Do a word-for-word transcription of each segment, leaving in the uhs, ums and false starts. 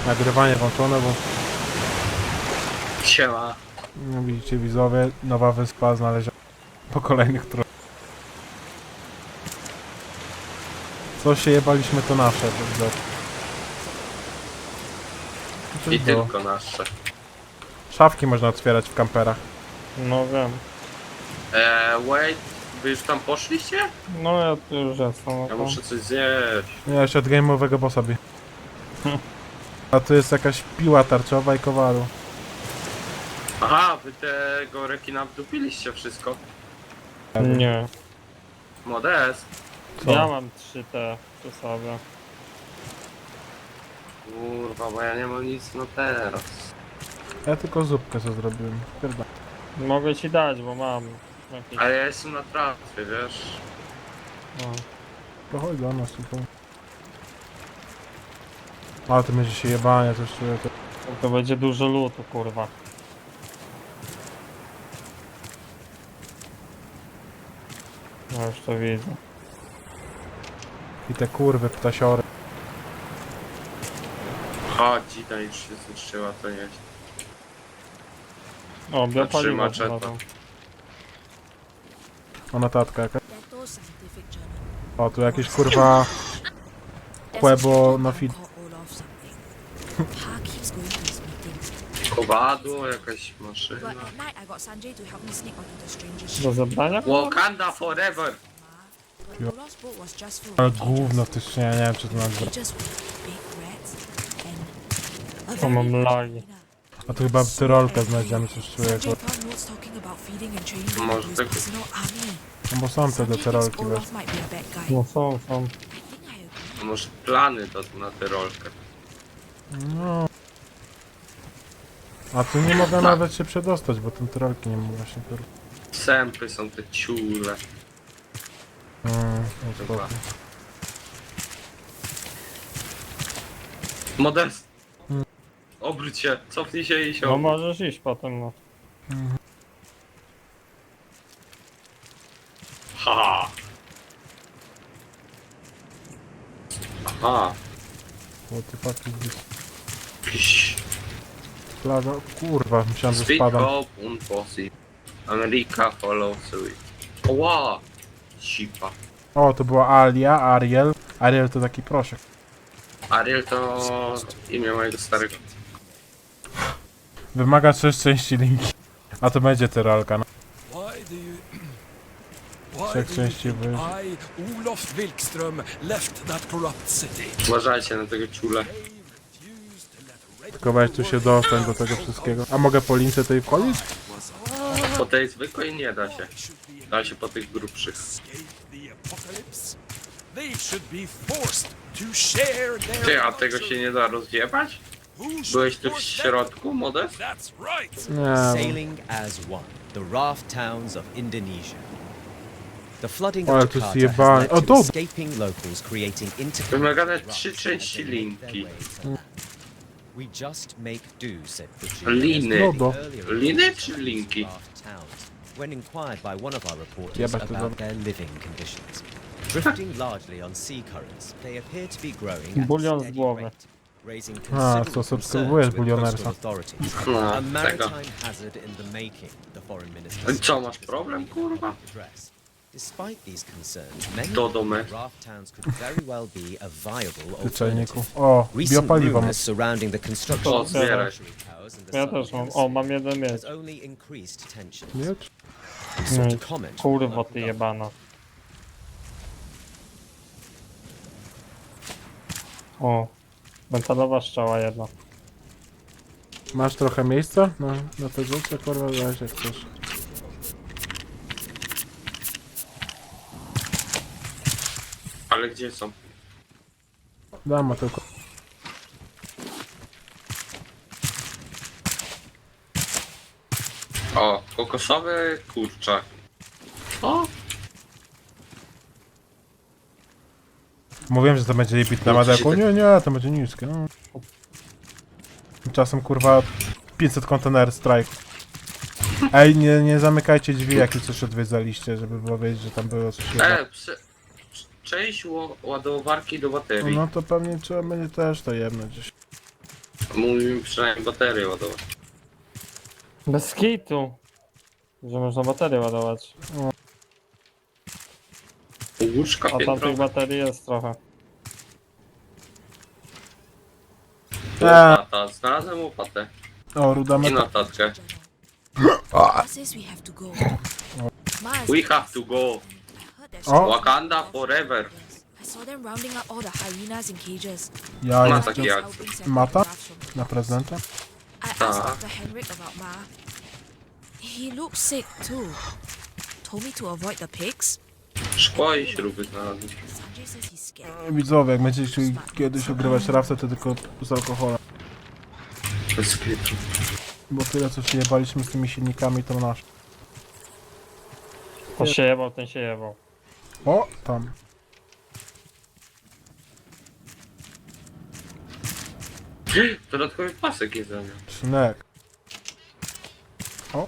Nagrywanie włączone, bo Siema. no, widzicie widzowie, nowa wyspa znaleziona po kolejnych tro... Co się jebaliśmy, to nasze, to widać. Co I to było? tylko nasze. Szafki można otwierać w kamperach. No wiem. Eee, wait. Wy już tam poszliście? No ja tu już jestem. Ja No muszę coś zjeść. Nie, jeszcze od game'owego bossa bi. A tu jest jakaś piła tarczowa i kowaru. Aha, wy tego rekina wdupiliście wszystko. Nie. Modest. Co? Ja mam trzy te przy sobie. Kurwa, bo ja nie mam nic na teraz. Ja tylko zupkę co zrobiłem. Pierda. Mogę ci dać, bo mam jakieś... Ale ja jestem na tratwie, wiesz? No. To chodź do nas tutaj. Ale to będzie się jebanie, coś czuję. To... To będzie dużo lutu, kurwa. No już to widzę. I te kurwy, ptasiory. Chodź, dzida już się zniszczyła, to nie. O, biopaliwo maczeta. znalazłem. O, notatka jaka. Dettol Scientific Journal. O, tu jakieś kurwa... Quebo na fit. Olaf something. Pa keeps going to his meetings. Kowadło, jakaś But maszyna. at night I got Sanjay to help me sneak onto the stranger's Do ship. zebrania? Wakanda forever! But Olaf's boat was just full Ale of gówno w tych skrzyniach, nie wiem czy to nazwa. cages with big rats and a To mam very lagi. A tu chyba tyrolkę znajdziemy, coś czuję. Sanjay found notes talking about feeding and training them Może into his tak- personal army. No bo są te Sanjay do thinks tyrolki, wiesz. Olaf might be a bad guy. No są, są. I think I agree. A może plany do, na tę rolkę. No. A tu nie mogę nawet się przedostać, bo ten tyrolki nie ma właśnie tyr... Sępy są te ciule. Mm, no spoko. Modest! Hmm. Obróć się, cofnij się i się No obróć. możesz iść potem, no. Ha! Aha! What the fuck is this? Psz. Plaga... Kurwa, myślałem, że Speed spadam. up, impossible. America follow suit. Ła! Sipa. O, to była Alia, Ariel. Ariel to taki proszek. Ariel to imię mojego starego. Wymaga trzech części linki. A to będzie tyrolka, no. Why do you... Why Trzech do you części think wy... I, Olof Wilkström, left that corrupt city? Uważajcie na tego ciule. They refused to let Red Tylko weź tu się dostać do tego wszystkiego. A mogę po lince tej wchodzić? Po tej zwykłej nie da się. should be Da się po tych grubszych. escape the apocalypse. They should be forced to share their Ty, a tego culture. się nie da rozjebać? Who should Byłeś tu w force them? środku, Modest? That's right. Nie. Sailing as one, the raft towns of Indonesia. The flooding Ale of to Jakarta jest has led jebane. O, to dobra. escaping locals creating Wymagane interconnected trzy rafts części as they make their linki. way to land. We just make do, said Pucci. Liny. Lodo. Liny czy linki? Raft towns, when inquired by one of our reporters Jebać to about za- their living conditions. Drifting largely on sea currents, they appear to be growing at Bulion a z steady głowy. rate, raising A, considerable co subskrybujesz concerns with bulionersa? coastal authorities. No, A tego. maritime hazard in the making, the foreign minister Co, masz said, problem, kurwa? address. Despite these concerns, many Do domy. raft towns could very well be a viable Ty czajniku. alternative. O, Recent biopaliwo. mam. rumors surrounding the construction O, of zbieraj. sanctuary towers in the Ja southern też mam. O, hemisphere mam jeden miecz. has only increased tensions. Miecz? We sought Miecz. to comment on Kurwa local ty government. jebana. O. Metalowa strzała jedna. Masz trochę miejsca? No, na te rzucę, kurwa, weź jak chcesz. Ale gdzie są? Dam, a tylko... O, kokosowy kurczak. O! Mówiłem, że to będzie bit na madeku. Nie, nie, to będzie niskie. No. Czasem, kurwa, pięćset kontener strike. Ej, nie, nie zamykajcie drzwi, jak coś odwiedzaliście, żeby było wiedzieć, że tam było coś. E, prze... Część ło- ładowarki do baterii. No to pewnie trzeba będzie też to jebnąć gdzieś. Mówi mi przynajmniej baterię ładować. Bez kitu. Że można baterię ładować. Łóżka A tam piętro. tych baterii jest trochę. Łopata, znalazłem łopatę. O, ruda I meta. notatkę. Ma says we have to go. Ma is We have to go. I heard there's Oh. Wakanda forever. Yes, I saw them rounding up all the hyenas in cages. Ja Ma jest taki akcent. Helping separate Mata? giraffes from na prezydenta. I Ta. asked Doctor Henrik about Ma. He looks sick too. Told me to avoid the pigs. Szkło i śruby znalazłem. Sanjay says he's scared. Widzowie, jak będziecie chcieli kiedyś ogrywać rafce, to tylko z alkoholem. Bez kitu. Bo tyle co się jebaliśmy z tymi silnikami, to nasz. To się jebał, ten się jebał. O, tam. Dodatkowy pasek jedzenia. Szynek. O.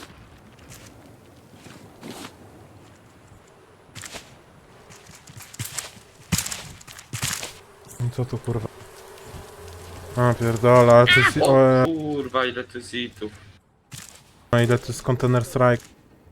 I co tu kurwa? A pierdolę, ale to jest... O O, kurwa, ile tu jest itów. e, ile to jest Container Strike.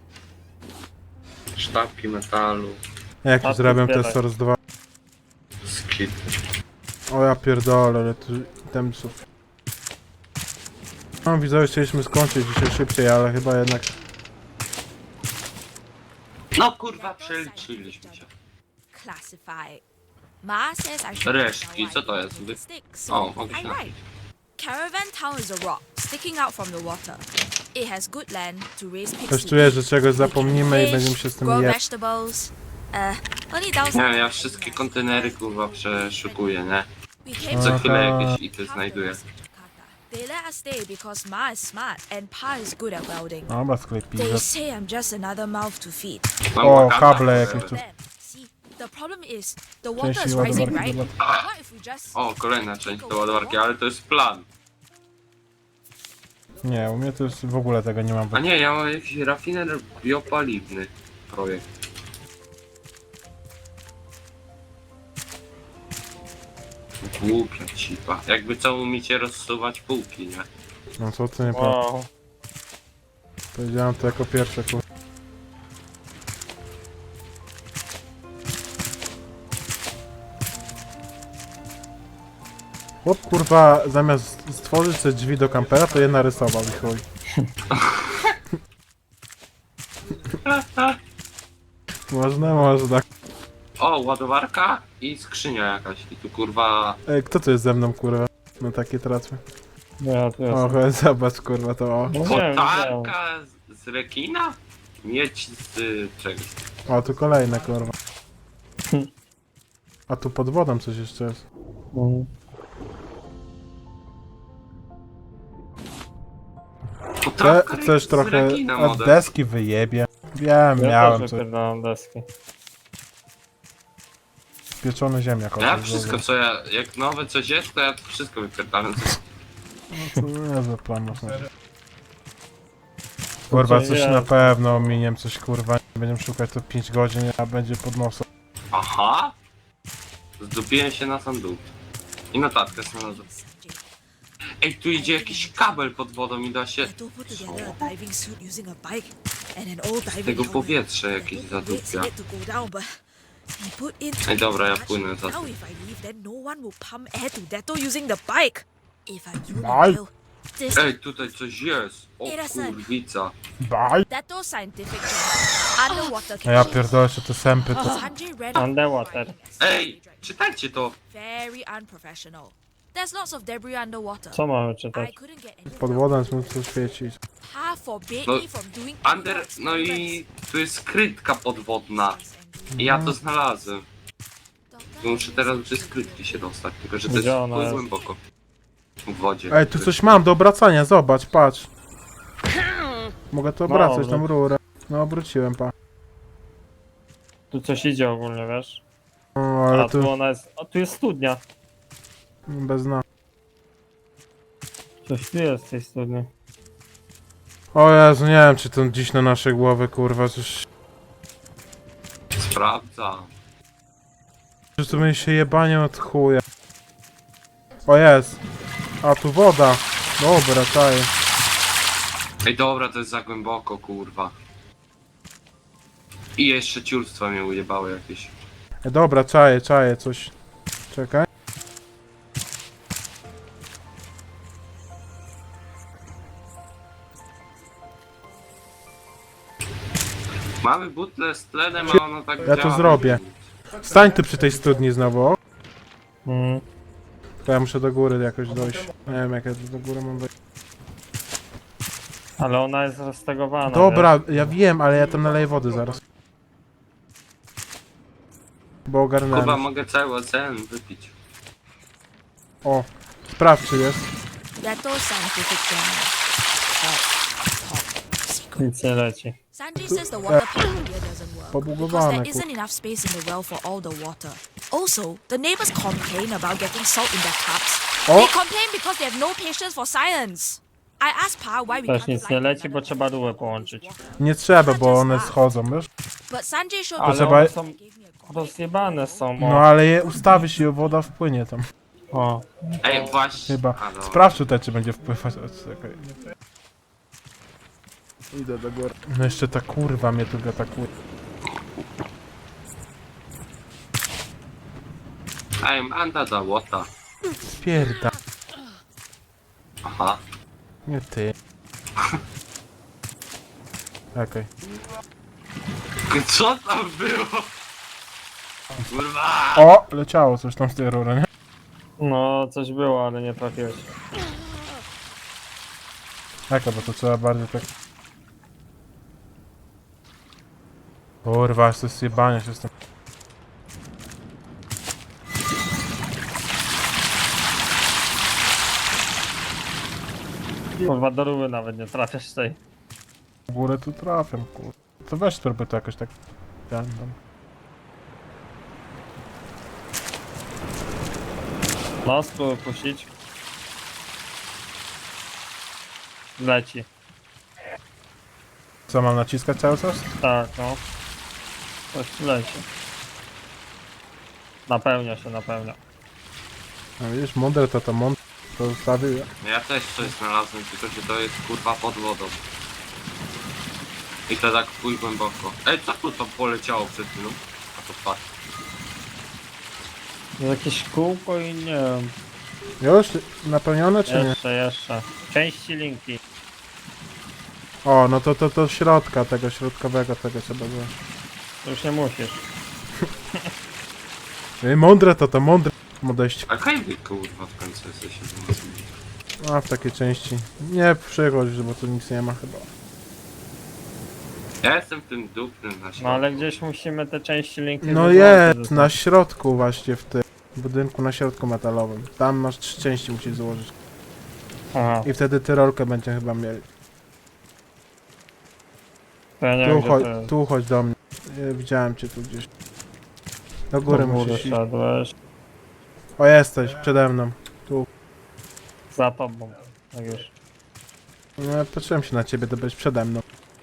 Sztabki metalu. Jak A już tu zrobię te zbieraj. Source dwa. Skit. O ja pierdolę, ale tu temsów. No widzowie, chcieliśmy skończyć dzisiaj szybciej, ale chyba jednak... No kurwa, przeliczyliśmy się. Classify. Ma says I should Resztki, know co why to they jest? don't Wy- stick, so O, mogę się I napić. write. Caravan Town is a rock sticking out from the water. It has good land to raise pigs. Coś to czuję, eat. że czegoś We can zapomnimy i fish, będziemy się z tym grow je... vegetables. Uh, only downside Nie, ja is wszystkie that kontenery kurwa przeszukuję, nie? we came Co from chwilę Aha. jakieś ity half the znajduję. rest of Jakarta. They let us stay because Ma is smart and Pa is good at welding. Dobra, sklepie. They say I'm just another mouth to feed. Mam O, Wakanda kable forever. jakieś tu. Then, see, the problem is the water Części is rising, ładowarki right? do What if we just O, kolejna część do ładowarki, ale to jest plan. Nie, u mnie to jest w ogóle tego nie mam. A nie, ja mam jakiś rafiner biopaliwny projekt. Głupia cipa. Jakby co umiecie rozsuwać półki, nie? No co ty nie powiem. Wow. Powiedziałem to jako pierwsze, kur... Chłop kurwa zamiast stworzyć te drzwi do kampera, to je narysował i chuj. Można, można. O, ładowarka i skrzynia jakaś. I tu kurwa... Ej, kto to jest ze mną kurwa? No takie tracmy. Ja tu O, jestem. chodź, zobacz kurwa to o. No wiem, widziałem. Kotarka z, z rekina? Mieć z y, czegoś. O, tu kolejne kurwa. A tu pod wodą coś jeszcze jest. Mhm. Chce, Kotarka chcesz z trochę rekina, od model. deski wyjebie. Wiem, Ja miałem też coś. wypierdalam deski. Pieczony ziemniak. Ja o, wszystko co ja, jak nowe coś jest, to ja to wszystko wypierdalam. No to niezły plan można. Kurwa, Co coś jest? na pewno ominiem, coś kurwa. Będziemy szukać to pięć godzin, a będzie pod nosem. Aha! Zdupiłem się na sam dół. I notatkę znalazłem. Sanjay. Ej, tu idzie jakiś kabel pod wodą i da się Dato put together a diving suit using a bike and an old diving tego helmet. powietrze jakieś Dato waits zadupia. for it to go down, but he put in too Ej, dobra, ja much. płynę za Now tym. if I leave, then no one will pump air to Dato using the bike. If I use Bye. the this Ej, tutaj coś jest! O Erasen. kurwica. Bye! Dato scientific journal, underwater A ja caches. pierdolę jeszcze te sępy, to... Sanjay read Underwater. Ej, czytajcie to! very unprofessional. There's lots of debris underwater. Co mamy I czytać? couldn't get any Pod wodą jest muszę świecić. Pa forbade No, me from doing any Under, more no i experiments. tu jest skrytka podwodna. I ja to znalazłem. Doctor, Muszę teraz do tej skrytki się dostać, tylko że to Gdzie jest ona chuj jest? głęboko. W wodzie. Ej, tu coś mam do obracania, zobacz, patrz. Mogę to No, obracać, dobra. tą rurę. No, obróciłem, pa. Tu coś idzie ogólnie, wiesz? O, ale A tu tu ona jest... A tu jest studnia. bez dna. Coś tu jest w tej studni. O Jezu, nie wiem, czy to dziś na nasze głowy, kurwa, coś... Sprawdza. Że to będzie się jebanie od chuja. O jest! A tu woda. Dobra, czaję. Ej, dobra, to jest za głęboko, kurwa. I jeszcze ciulstwa mnie ujebały jakieś. E, dobra, czaję, czaję coś. Czekaj. Mamy butlę z tlenem, a ono tak Ja to działa. zrobię. Stań ty przy tej studni znowu. O. Mm. To ja muszę do góry jakoś dojść. Nie wiem jak ja tu do góry mam wejść. Ale ona jest roztegowana. Dobra, ja wiem, ale ja tam naleję wody zaraz. Bo Kuba, ogarnąłem. mogę cały ocean wypić. O, sprawdź czy jest. Gato scientific journal. Top, top secret. Nic nie leci. Sanjay says the water pump here doesn't work because Pobugowane, there kur... isn't enough space in the well for all the water. Also, the neighbors complain about getting salt in their cups. O! They complain because they have no patience for science. I asked Pa why we Też can't nic fly nie to leci, another bo trzeba country rurę with połączyć. water. Nie trzeba, bo one schodzą, wiesz? But Sanjay showed Ale me trzeba- one są gave me a copy. rozjebane są. No O. ale je ustawisz i woda wpłynie tam. o. Ej, właśnie. Chyba. A, dobra. Sprawdź tutaj czy będzie wpływać. O, czekaj. Idę do góry. No jeszcze ta kurwa mnie tu atakuje. I'm under the water. Spierda. Aha. Nie ty. Okej. Co tam było? Kurwa! O! Leciało coś tam z tej rury, nie? No, coś było, ale nie trafiłeś. Jaka, bo to trzeba bardziej tak... Kurwa, aż to jest jebanie się z tym. Kurwa, do rury nawet nie trafiasz tej. W górę tu trafiam, kurwa. To weź spróbuj to jakoś tak... Ja, tam. No, spróbuj puścić. Leci. Co, mam naciskać cały czas? Tak, no. Coś tu leci. Napełnia się, napełnia. No widzisz, mądre to to mądre. To ustawił. Ja też coś znalazłem, tylko że to jest kurwa pod wodą. I to tak pój głęboko. Ej, co tu tam poleciało przed chwilą? A to patrz. Jakieś kółko i nie wiem. Już? Napełnione czy nie? Jeszcze, jeszcze. Części linki. O, no to to to środka, tego środkowego, tego trzeba było. Już nie musisz. Ej, mądre to to mądre. Odejść. A kaj wy kurwa w końcu jesteście wzmocnieni? A w takiej części. Nie przychodź, bo tu nic nie ma chyba. Ja jestem w tym dupnym na środku. No ale gdzieś musimy te części linki No wyłączyć jest, ze na sobą. środku właśnie w tym budynku, na środku metalowym. Tam masz trzy części musisz złożyć. Aha, I wtedy tyrolkę będziemy chyba mieli. to ja nie Tu wiem gdzie chodź, to jest. tu chodź do mnie. Ja widziałem cię tu gdzieś. Do góry Do góry musisz iść. szedłeś. O, jesteś, przede mną. Za tobą. Tak już. No, ja patrzyłem się na ciebie, to byłeś przede mną.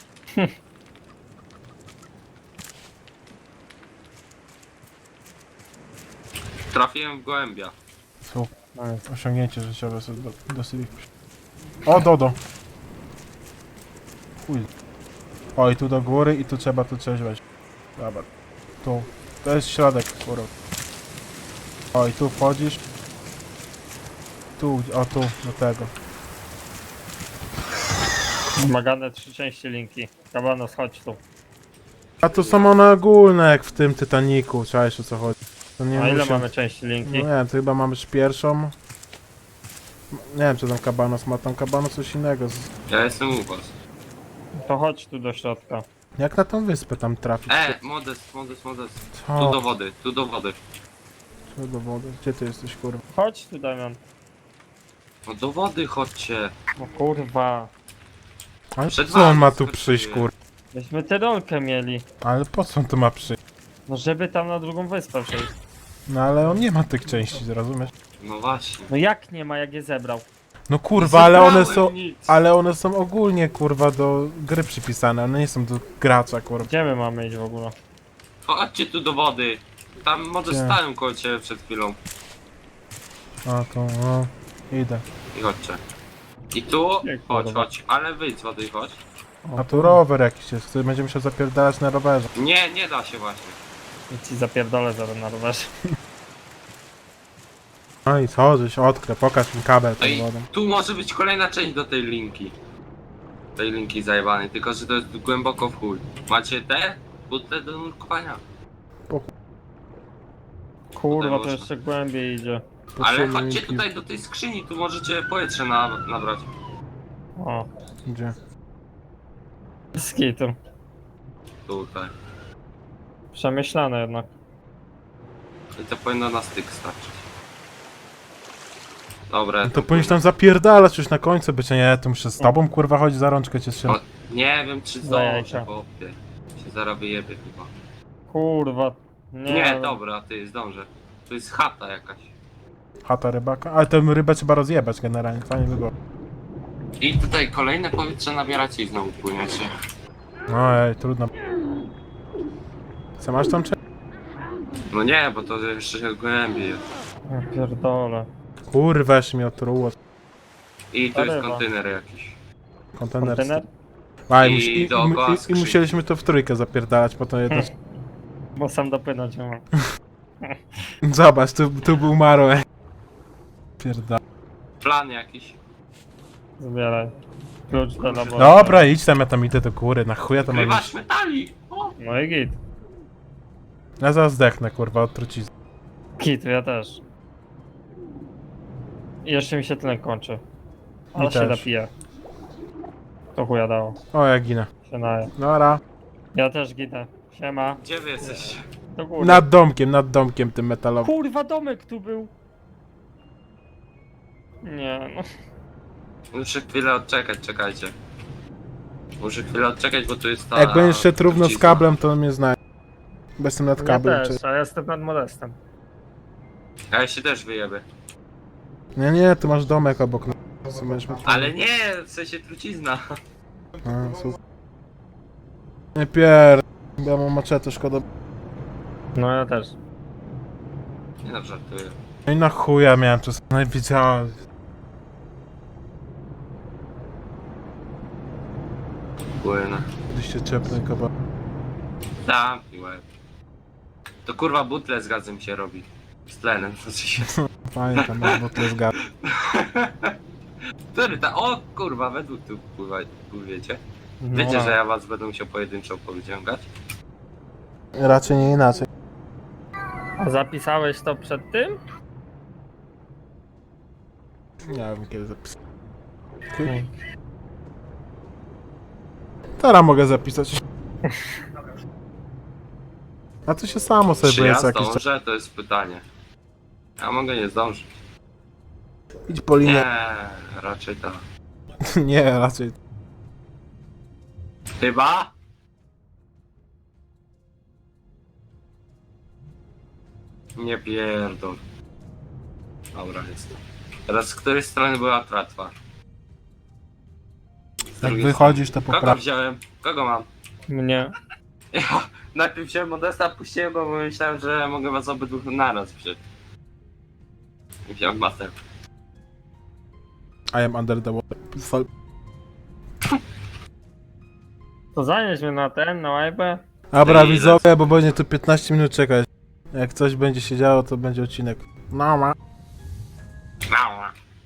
Trafiłem w gołębia. Co? No jest. Osiągnięcie życiowe sobie do, dosyć. O, Dodo! Chuj. O, i tu do góry i tu trzeba tu coś wejść. Dobra. Tu. To jest środek, kurwa. O, i tu wchodzisz. Tu, o tu, do tego. Wymagane trzy części linki. Kabanos, chodź tu. A to są one ogólne, jak w tym Titaniku, czaisz o co chodzi. To nie A ile musi- mamy części No linki? nie wiem, to chyba mamy już pierwszą. Nie wiem, czy tam Kabanos ma, tam Kabanos coś innego. z- Ja jestem u was. To chodź tu do środka. Jak na tą wyspę tam trafić? E, modest, modest, modest. Tu Co? do wody, tu do wody. Co do wody? Gdzie ty jesteś, kurwa? Chodź tu, Damian. No do wody chodźcie. No kurwa. Ale Przed co on wami ma tu skoczyłem. przyjść, kurwa? Myśmy tę rolkę mieli. Ale po co on tu ma przyjść? No żeby tam na drugą wyspę przejść. No ale on nie ma tych części, zrozumiesz? No właśnie. No jak nie ma, jak je zebrał? No kurwa, ale one Zebrałem są... nic. Ale one są ogólnie, kurwa, do gry przypisane, one nie są do gracza, kurwa. Gdzie my mamy iść w ogóle? Chodźcie tu do wody. Tam modest Gdzie? stałem koło ciebie przed chwilą. A to, no... Idę. I chodźcie. I tu, Nie, chodź, kurwa. chodź, ale wyjdź z wody, chodź. A tu rower jakiś jest, który będzie musiał zapierdalać na rowerze. Nie, nie da się właśnie. I ci zapierdolę zaraz na rowerze. No i co, żeś odkrę, pokaż mi kabel No pod i wodą. tu może być kolejna część do tej linki. Tej linki zajebanej, tylko że to jest głęboko w chuj. Macie te? Butle do nurkowania. Kurwa, to można. jeszcze głębiej idzie. Ale Potrzebny chodźcie mi pi- tutaj do tej skrzyni, tu możecie powietrze na, nabrać. O, Gdzie? z kitu. Tutaj. Przemyślane jednak. I to powinno na styk starczyć. Dobra, No to powinieneś tam zapierdalać już na końcu być, a nie, to muszę z tobą kurwa chodzić za rączkę cię trzymać. O, nie wiem czy Za zdążę, jajka. chłopie. Się zaraz wyjebie chyba. Kurwa. Nie, Nie, dobra, ty zdążę. To jest chata jakaś. Chata rybaka, ale tę rybę trzeba rozjebać generalnie, fajnie by było. I tutaj kolejne powietrze nabieracie i znowu płyniecie. No ej, trudno. Co masz tam czy? No nie, bo to jeszcze się głębiej jest. Ja pierdolę. Kurwa, jeszcze mi otruło. I tu jest Ryba. kontener jakiś. Kontener. Kontener? A, i, I musi, i, i, dookoła i, i skrzyni. musieliśmy to w trójkę zapierdalać, po to jedno... Bo sam dopłynąć nie mam. Zobacz, tu, tu był Maro, ej. Pierdala. Plan jakiś. Zbieraj. Klucz do laboratorium. Dobra, idź tam, ja tam idę do góry, na chuja to mam Wykrywasz iść. metali! O! No i git. Ja zaraz zdechnę, kurwa, od trucizny. Git, ja też. I jeszcze mi się tlen kończy. Ale Mi się też. napije. To chuja dało. O, ja ginę. Się naje. Dobra. Ja też ginę. Siema. Gdzie wy jesteście? Do góry. Nad domkiem, nad domkiem tym metalowym. Kurwa, domek tu był. Nie, no. Muszę chwilę odczekać, czekajcie. Muszę chwilę odczekać, bo tu jest ta... Jak będziesz szedł równo z trucizna. kablem, to mnie znaj. Bo jestem nad Ja kablem, też, czy... a ja jestem nad modestem. A ja się też wyjebę. Nie, nie, tu masz domek obok nas. Co będziesz mógł- Ale nie, w sensie trucizna. A, super. Nie pier... Ja mam maczetę, szkoda. No ja też. Nie no, żartuję. No i na chuja miałem czas. No i widziałem. Płynę. Gdzieś się czepnę kawałek. Tam i łeb. To kurwa butle z gazem się robi. Z tlenem, znaczy się. Fajnie tam, bo to jest gad. Który ta... O kurwa, według tu pływa, pływiecie. No, Wiecie, że ja was będę musiał pojedynczo powyciągać? Raczej nie inaczej. A zapisałeś to przed tym? Nie wiem kiedy zapisać. Teraz mogę zapisać. A to się samo sobie Czy ja będzie jakiś czas. zdążę? To jest pytanie. Ja mogę nie zdążyć. Idź po linię. Nie, raczej tak. Nie, raczej. Chyba? Nie pierdol. Dobra, jest. Teraz z której strony była tratwa? Z Jak drugiej wychodzisz, to strony. Kogo popraw. wziąłem? Kogo mam? Mnie. Ja najpierw wziąłem Modesta, puściłem go, bo myślałem, że mogę was obydwóch naraz wziąć. I wziąłem Master. I am under the water. Fal- To zanieś mnie na ten, na łajbę. Dobra, Ty, widzowie, bo będzie tu piętnaście minut czekać. Jak coś będzie się działo, to będzie odcinek. No ma. Mała.